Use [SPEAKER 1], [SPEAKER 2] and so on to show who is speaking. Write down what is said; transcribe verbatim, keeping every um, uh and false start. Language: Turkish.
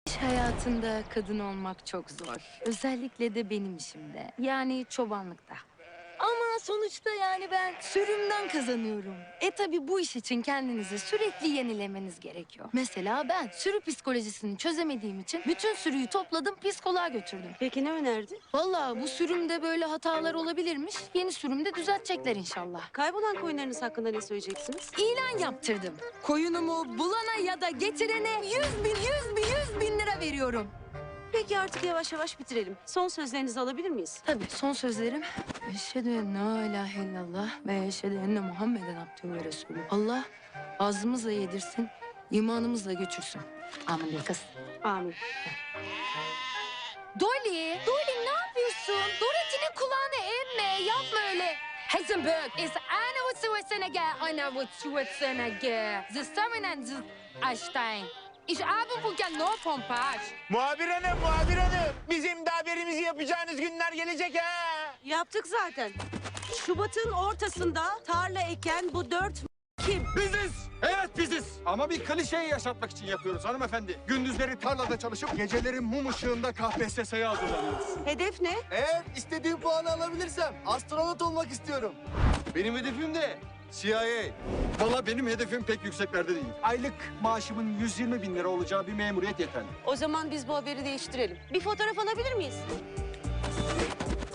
[SPEAKER 1] İş hayatında kadın olmak çok zor. Özellikle de benim işimde. Yani çobanlıkta. Ama sonuçta yani ben sürümden kazanıyorum. E tabi bu iş için kendinizi sürekli yenilemeniz gerekiyor. Mesela ben sürü psikolojisini çözemediğim için bütün sürüyü topladım, psikoloğa götürdüm.
[SPEAKER 2] Peki ne önerdin?
[SPEAKER 1] Vallahi bu sürümde böyle hatalar olabilirmiş. Yeni sürümde düzeltecekler inşallah.
[SPEAKER 2] Kaybolan koyunlarınız hakkında ne söyleyeceksiniz?
[SPEAKER 1] İlan yaptırdım. Koyunumu bulana ya da getirene yüz bin, yüz bin, yüz bin lira veriyorum.
[SPEAKER 2] Peki artık yavaş yavaş bitirelim. Son sözlerinizi alabilir miyiz?
[SPEAKER 1] Tabii son sözlerim. Eşhedü en la ilahe illallah ve eşhedü enne Muhammeden abdühü ve resulü. Allah ağzımızla yedirsin, imanımızla götürsün. Amin de kız.
[SPEAKER 2] Amin.
[SPEAKER 1] Dolly, Dolly ne yapıyorsun? Dorothy'nin kulağını emme, yapma öyle. Heisenberg ist eine Schwarzenegger, eine Schwarzenegger. Zusammen ein Einstein. Ich habe bugün no pompage.
[SPEAKER 3] Muhabir hanım, muhabir hanım. Bizim de haberimizi yapacağınız günler gelecek ha.
[SPEAKER 2] Yaptık zaten. Şubat'ın ortasında tarla eken bu dört kim?
[SPEAKER 4] Biziz. Evet biziz. Ama bir klişeyi yaşatmak için yapıyoruz hanımefendi. Gündüzleri tarlada çalışıp geceleri mum ışığında K P S S'ye hazırlanıyoruz.
[SPEAKER 2] Hedef ne?
[SPEAKER 5] Eğer istediğim puanı alabilirsem astronot olmak istiyorum.
[SPEAKER 4] Benim hedefim de C I A. Valla benim hedefim pek yükseklerde değil. Aylık maaşımın yüz yirmi bin lira olacağı bir memuriyet yeterli.
[SPEAKER 2] O zaman biz bu haberi değiştirelim. Bir fotoğraf alabilir miyiz?